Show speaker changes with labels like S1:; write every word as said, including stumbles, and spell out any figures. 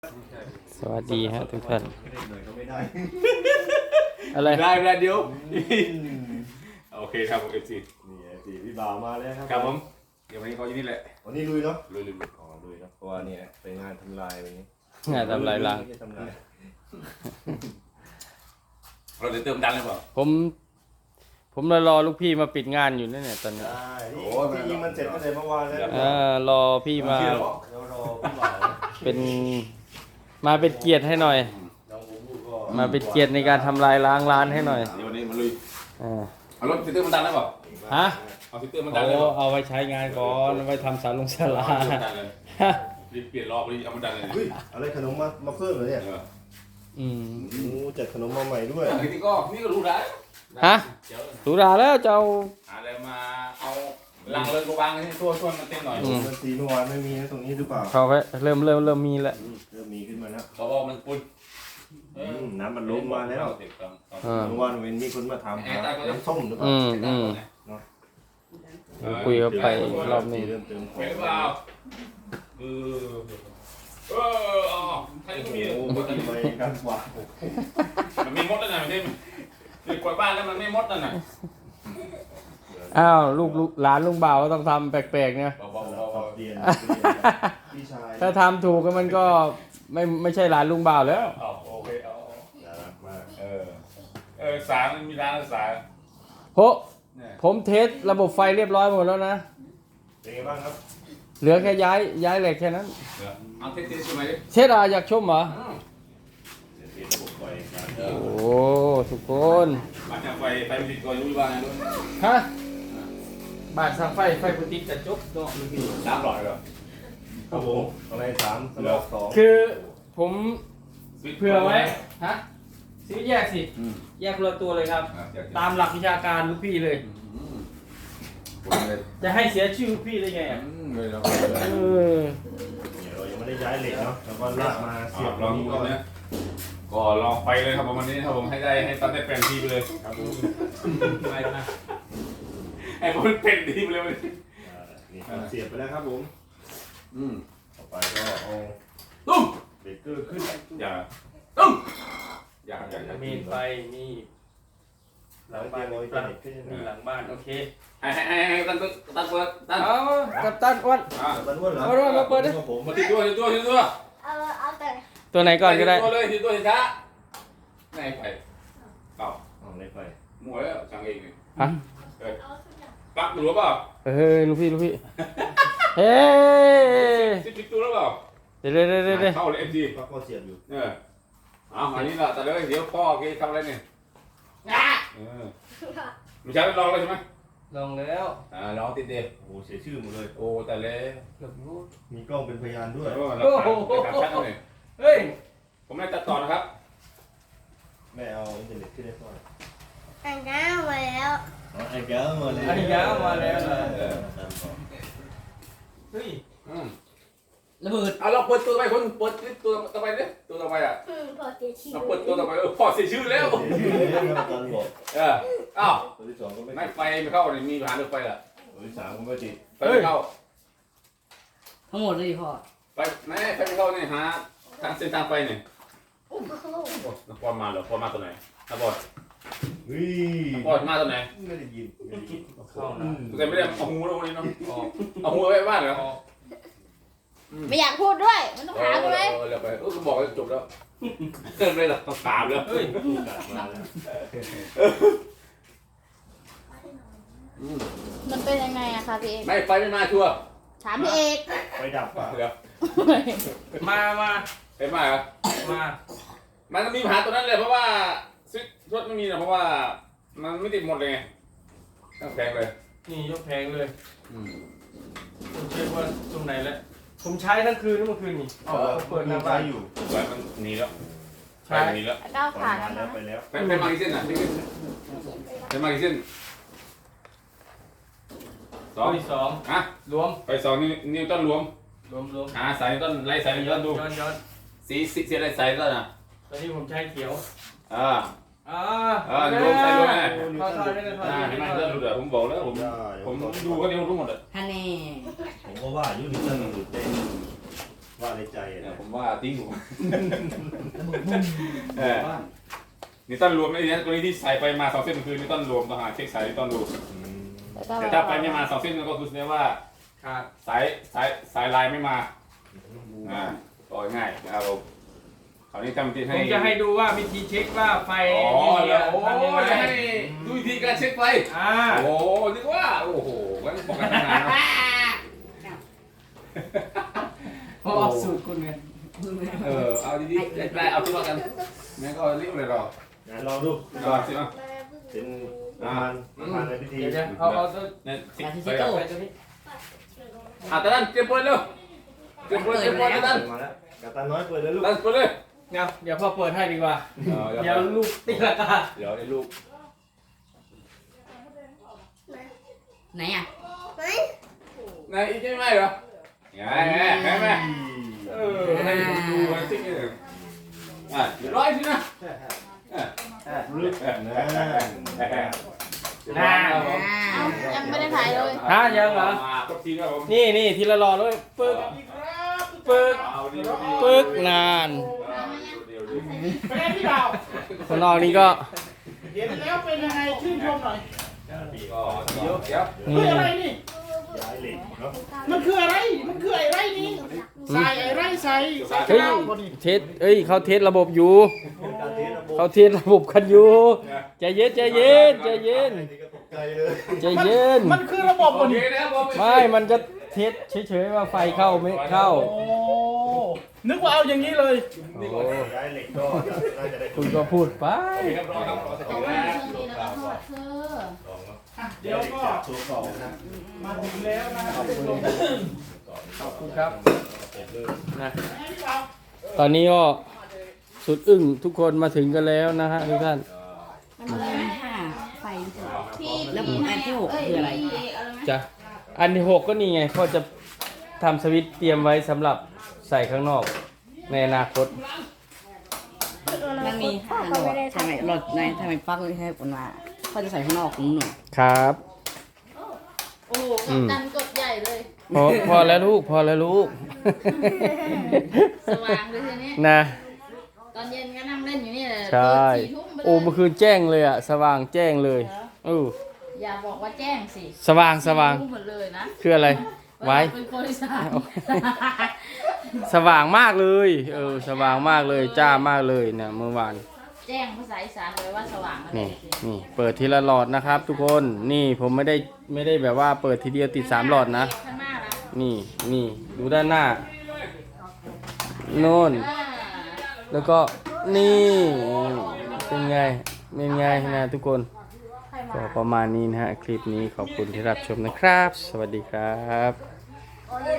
S1: สวัสดีฮะทุกท่าน
S2: ไม่ได้
S1: อะไร
S3: ได้ได้เดี๋ยวโอเคครับผมเอฟซี
S2: นี่ไอ้สีพี่บ่าวมาแล้วครับ
S3: ครับผมเดี๋ยววันนี้เขาอยู่นี่แหละ
S2: วันนี้ลุยเนาะ
S3: ลุยลุยลุย
S2: อ๋อลุยเนาะเพราะว่าเนี่ยไปงานทำลายวันนี้
S1: งานทำลายล้าง
S2: ไม่ใช่ทำลาย
S3: เราจะเติมดันเลยเปล่า
S1: ผม ผมรอรอลูกพี่มาปิดงานอยู่นั่นเนี่ยตอนนี้
S2: ใช่นี่จริงๆมันเสร็จตั้งแต่เมื่อวานแล้ว
S1: เออรอพี่มา
S2: เดี๋ยวรอพี่บ่าว
S1: เป็น มาเป็นเกียรติให้หน่อย
S2: น้องบูบูก็
S1: มาเป็นเกียรติในการทำลายล้างร้านให้หน่อย
S3: เดี๋ยววันนี้มาลุย
S1: อ่า
S3: เอารถซิเตอร์มันดันเลยเปล่า
S1: ฮะ
S3: เอาซิเตอร์มันดัน
S1: โอ้
S3: เลยเปล่า
S1: เอาไว้ใช้งานก่อนเอาไว้ทำสารลงสารา
S3: เอาดันเลยรีบเปลี่ยนรอบรีบเอามันดันเลย
S2: เฮ้ยอะไรขนมมามาเพิ่มเหรอเนี่ย
S3: เออ
S1: อืม
S2: โอ้จัดขนมมาใหม่ด้วย
S3: อันนี้ก็นี่ก็รู้ได้
S1: ฮะ
S3: เดี๋ยว
S1: สุราแล้วจะเอา
S3: อะไรมาเอาลังเลยกูวางให้ทั่วช่วยมันเต้นหน่อย
S2: มันสีเมื่อวานไม่มีนะตรงนี้หรือเปล่า
S1: เขาไว้เริ่มเริ่มเริ่มมีแล้ว
S2: อืมเริ่มมีขึ้นมาแล้ว
S3: เขาบอกมันปุ่น
S2: อืมน้ำมันล้มมาแล้ว
S1: อ่า
S2: เมื่อวานเว้นมีคนมาถามหาน้ำส้มหรือเปล่า
S1: อืมอืมคุยกับไปรอบนี้
S2: เริ่มเติมขอ
S3: เป็น
S2: ง
S3: เปล่าเออเอออ๋อใครก็มี
S2: โอ้โหทำไมกันกว่า
S3: มันมีมดแล้วนะมันที่คือกวาดบ้านแล้วมันไม่มดแล้วนะ
S1: อ้าวลูกลูกหลานลุงบ่าวก็ต้องทำแปลกๆเนี่ย
S3: เบาๆ
S2: เรา
S3: เบา
S2: เรียนพี่ชาย
S1: ถ้าทำถูกก็มันก็ไม่ไม่ใช่หลานลุงบ่าวแล้ว
S3: ๆเอาโอเคเอา
S2: น่ารักมาก
S3: เออเออสารมันมีร้านสาร
S1: โห
S3: เนี่ย
S1: ผมเทสระบบไฟเรียบร้อยหมดแล้วนะ
S2: เป็นไงบ้างครับ
S1: เหลือแค่ย้ายย้ายเหล็กแค่นั้น
S3: เอาเทสๆใช่ไหมดิ
S1: เชดอาอยากชมเหรอ
S2: เดี๋ยวเทระบบไฟการ
S1: โอ้ทุกคน
S3: มาจากไฟไฟมันติดก่อนรู้บ้างไงด้วย
S1: ฮะบาทสั่งไฟไฟปุติจะจบเนาะลูกพี่
S3: สามหลอดเหรอ
S2: ครับผมอะไรสามสำหรับสอง
S1: คือผมเผื่อไว้ฮะซื้อแยกสิ แยกคนละตัวเลยครับ ตามหลักวิชาการลูกพี่เลย จะให้เสียชื่อลูกพี่ได้ไงอ่ะ
S3: เลยเรา
S1: เออ
S2: เดี๋ยวเรายังไม่ได้ย้ายเหล็กเนาะแล้วก็ลากมาเสียบ
S3: ลองดูก่อนนะก็ลองไปเลยครับประมาณนี้ครับผมให้ได้ให้ตันได้เป็นทีไปเลยครับผมไปนะให้ผมเป็นทีไปเลย
S2: อ่านี่เสียบไปแล้วครับผม
S3: อืม
S2: ต่อไปก็เอา
S3: ตุ้ม
S2: เบรกเกอร์ขึ้น
S3: อย่าตุ้มอย่าอย่าอย่า
S1: มีไฟมีหลัง
S2: แล้ว
S1: บ้า
S2: เตรี
S1: น
S2: ยมเอาไว้เป็นเหล็กขึ้น
S1: มีหลังบ้านโอเค
S3: ให้ให้ให้ให้ตั้งตั้งเปิดตั้ง
S1: เอากับตันอ้วน
S3: อ่า
S2: ตันอ้วนเหรอ
S1: เอาด้วยมาเปิดดิ
S2: ครับผม
S3: มาติดตัวติดตัวติดตัว
S4: เอาเอาแต่
S1: ตัวไหนก่อนก็ได้
S3: ติดตัวเลยติดตัวช้าไหนไปเปล่า
S2: เอาเหล็กไฟ
S3: หมวยแล้วช่างเองนี่
S1: ฮะ
S4: เอาสักอย่าง
S3: ปักหรือเปล่า
S1: เฮ้ยลูกพี่ลูกพี่เฮ้ย
S3: ติดติดตัวหรือเปล่า
S1: เดี๋ยวเดี๋ยวเดี๋ยวเดี๋ยว
S3: เข้าเลยเอ็มดี
S2: ปลั๊กก็เสียบอยู่
S3: เออเอาอันนี้ละแต่เลยเดี๋ยวพ่อแกทำอะไรเนี่ยเออไม่ใช่ลองเลยใช่ไหม
S1: ลงแล้ว
S3: อ่าลองติดเดียว
S2: โอ้โหเสียชื่อหมดเลย
S3: โอ้แต่เลย
S1: เกือบรู้
S2: มีกล้องเป็นพยานด้วย
S3: โอ้เราตัดชัดเลย
S1: เฮ้ย
S3: ผมไม่ตัดต่อนะครับ
S2: แม่เอาอินเทอร์เน็ตขึ้นได้ก่อน
S4: อันน้ำมาแล้ว
S2: อ๋อไอ้แก้วมาเลย
S1: ไอ้ยามาแล้วเหรอ
S3: เออ
S1: เฮ้ย
S3: อืม
S1: ระเบิด
S3: เอาเราเปิดตัวไปคนเปิดตัวต่อไปเนี่ยตัวต่อไปอ่ะ
S4: อืมพอเสียชีวิ
S3: เรา
S4: ต
S3: เปิดตัวต่อไปเออพ่อเสียชื่อแล้ว
S2: เสียชื่อเลยครับอาจารย์บอก
S3: เอออ้าว
S2: ตัวที่สองก็ไม่
S3: ไม่ไฟไม่เข้าเนี่ยมีปัญหาเรื่องไฟล่ะ
S2: ตัวที่สามก็ไม่ติด
S3: ไฟไม่เข้า
S1: ทั้งหมดเลยพ่อ
S3: ไฟไม่ไฟไม่เข้าเนี่ยหาทางเส้นทางไฟเนี่ย
S4: โอ้โห
S3: โอ้นักบอลมาเหรอบอลมาตัวไหนนักบอล
S2: เฮ้ย
S3: นักบอลมาตัวไหน
S2: ไม่ได้ยินไม่ได้ยิน
S1: เข้านะ
S3: แต่ไม่ได้เอาหูแล้ววันนี้เนาะเอาหูไว้บ้านเหรอ
S4: ไม่อยากพูดด้วย มันต้องถามไหม
S3: เออเร็วไปเออก็บอกจบแล้วเกินเลยหรอต้องถามแล้วเฮ้ย
S2: กัดมาแล้ว
S4: มันเป็นยังไงอะคะพี่เอก
S3: ไม่ไฟไม่มาชัวร์
S4: ถามพี่เอก
S2: ไฟดับป่ะ
S3: เดี๋ยว
S1: มามา
S3: ไฟมาเหรอ
S1: มา
S3: มันมีปัญหาตัวนั้นเลยเพราะว่าซิทรถไม่มีนะเพราะว่ามันไม่ติดหมดเลยไงต้องแพงเลย
S1: นี่ยกแพงเลยผมเช็คว่าตรงไหนแล้วผมใช้ทั้งคืนทั้งเมื่อคืนนี่เอาเขาเปิดหน้าบ้าน
S2: อยู่
S3: ไฟมันหนีแล้วไฟมันหนีแล้ว
S4: แล้วก้าว
S2: ปล่อ
S4: ผ่าย น
S2: มา
S4: แล้
S2: แล้ว วไปแล้ว
S3: ไฟไฟมากี่เส้นอ่ะพี่กิ๊กไฟมากี่เส้นสอง
S1: ตัวที่สอง
S3: อ่ะ
S1: รวม
S3: ไฟสองนิวนิวตันรวม
S1: รวมรวม
S3: หาสายนิวตันไล่สายนิว
S1: ย้อ
S3: ตั
S1: น
S3: นดู
S1: ย้อนย้อน
S3: สีสีสีอะไรสายนิวตันอ่ะ
S1: ตอนนี้ผมใช้เขียว
S3: อ่า
S1: อ่า
S3: อ่ารวมใส่รวมไง
S1: ทอดทอดได้เลยทอด
S3: อ่า
S1: ได้
S3: เห็นไหม
S1: เลย
S3: เริ่มรู้เดี๋ยวผมบอกแล้วผมผมดูก็เดียวรู้หมดอ่ะ
S1: ฮันนี่
S2: ผมก็ว่าอยู่นี่ตั้งหลุดเต็มว่าในใจ
S3: เนี่ย
S2: นะ
S3: ผมว่าติ้งผมเออนี่ต้นรวมไอ้เนี่ยตัวนี้ที่ใส่ไปมาสองเส้นคือนี่ต้นรวมต้องหาเช็คสายนี่ต้นรวม
S4: แล้วก็
S3: แต่ถ้าไปไม่มาสองเส้นก็คือแสดงว่า
S1: ขาด
S3: สายสายสายลายไม่มาอ่าต่อง่ายนะครับผมคราวนี้ทำที่
S1: ผ
S3: ให้
S1: มจะให้ดูว่าวิธีเช็คว่าไฟ
S3: อ๋อ
S1: นี่
S3: แล้วโอ้
S1: ทำยังไง
S3: จะให้ดูวิธีการเช็คไฟ
S1: อ่า
S3: โอ้นึกว่าโอ้โหงั้นบอกกันทำงานเนาะ
S1: เพราะเอาสูตรคุณไง
S3: เออเอาดีๆได้เอาตัวกันแม่ก็รีบเลยรอ
S2: งั้นลองดู
S3: รอสิเนาะ
S2: เป็นประมาณประมาณในพิธี
S1: เดี๋ยวเดี๋ยวเอาเอาตัว
S3: เนี่ยสิไป
S1: ไป
S3: ก่อน
S1: ตัวนี้
S3: อ่ะตาดันเตรียมปืนเร็วเตรียมปืนเตรียมปืนตาดัน
S2: มาแล้วกัปตันน้อยเปิดเลยลูก
S3: ดันปืนเลย
S1: เดี๋ยวเดี๋ยวพ่อเปิดให้ดีกว่า
S3: เดี๋
S1: เดี๋
S3: ย
S1: ยว วลูกตีละกา
S3: เดี๋ยวไอ้ลูก
S4: ไหนอ่ะ
S3: นายอีกใช่ไหมเหรอไงแม่แม่แม่เออให้ผมดูไอ้สิ่งนี้อ่ะเดี๋ยวร้อยสินะอ่ะ
S2: ลึกนะ
S4: อ้าวยังไม่ได้ถ่ายเลย
S1: ฮะยังเหรอ
S3: มาก็ทีครับผม
S1: นี่นี่ทีละรอเลยปึ๊กปึ๊ก
S3: เอาดี
S1: ปึ๊กนาน
S3: เดี๋ยวเดี๋ยว
S5: เป็นไงพี่บ่าว
S1: ข้างนอกนี่ก็
S5: เห็นแล้วเป็นยังไงชื่นชมหน่อย
S3: ก็เดี๋ยวเดี๋ยว
S1: นี่
S5: เฮ้ยอะไรนี่
S2: ย้ายเหล็กเนาะ
S5: มันคืออะไร มันคืออะไรนี่ใส่อะไรใส่ใส่
S1: เฮ้ย
S5: ข้าวบ่นี่
S1: เทสเอ้ยเขาเทสระบบอยู่
S2: เป็นการเทสระบบ
S1: เขาเทสระบบกันอยู่ใจเย็นใจเย็นใจเย็น
S2: นี่ก็ตกใจเลย
S1: ใจเย็น
S5: มันคือระบบ
S3: โอ
S5: บ่
S3: เค
S5: นี่
S3: นะครับผม
S1: ไม่มันจะเทสเฉยๆว่าไฟเข้าไม่เข้า
S5: โอ้นึกว่าเอาอย่างนี้เลย
S1: โอ้
S2: ย้ายเหล็กก็น่าจะได้
S1: คุณก็พูดไป
S3: โอเคครับรอครับรอสักครู่นะ
S2: ลองเนาะ
S5: อ่ะเดี๋ยวก็
S2: ตัวสองนะ
S5: มาถึงแล้วนะ
S1: ขอบคุณขอบคุณครับนะ
S5: ให้พี่บ่าว
S1: ตอนนี้ก็สุดอึ้งทุกคนมาถึงกันแล้วนะฮะทุกท่าน
S4: มันมีห้าไฟที่แล้วผมอันที่หกคืออะไร
S1: จ้ะอันที่หกก็นี่ไงเขาจะทำสวิตช์เตรียมไว้สำหรับใส่ข้างนอกในอนาคต
S4: มันมีห้าหลอดทำไมหลอดในทำไมปลั๊กไม่ให้ผลมาเขาจะใส่ข้างนอกของหนู
S1: ครับ
S4: โอ้โหกัปตันกดใหญ่เลย
S1: พอพอแล้วลูกพอแล้วลูก
S4: สว่างเลยทีนี้
S1: นะ
S4: ตอนเย็นก็นั่งเล่นอยู่นี่แหละ
S1: ใช่
S4: สี่ทุ่มไปเลย
S1: โอ้เมื่อคืนแจ้งเลยอะสว่างแจ้งเลยเออ
S4: อย่าบอกว่าแจ้งสิ
S1: สว่างสว่าง
S4: รู้หมดเลยนะ
S1: คืออะไร ไว้
S4: เป็นบริษัท
S1: สว่างมากเลยเออสว่างมากเลยจ้ามากเลยเนี่ยเมื่อวาน
S4: แจ้งภาษาอีสานเลยว่าสว่างอะไร
S1: นี่นี่เปิดทีละหลอดนะครับ ทุกคนนี่ผมไม่ได้ไม่ได้แบบว่าเปิดทีเดียวติดสามหลอดนะ
S4: ข้างหน้านะ
S1: นี่นี่ดูด้านหน้าโน่น
S4: อ่า
S1: แล้วก็นี่เป็นไงเป็นไงนะทุกคน
S4: ใครมา
S1: ก็ประมาณนี้นะฮะคลิปนี้ขอบคุณที่รับชมนะครับ สวัสดีครับ
S4: โอเล่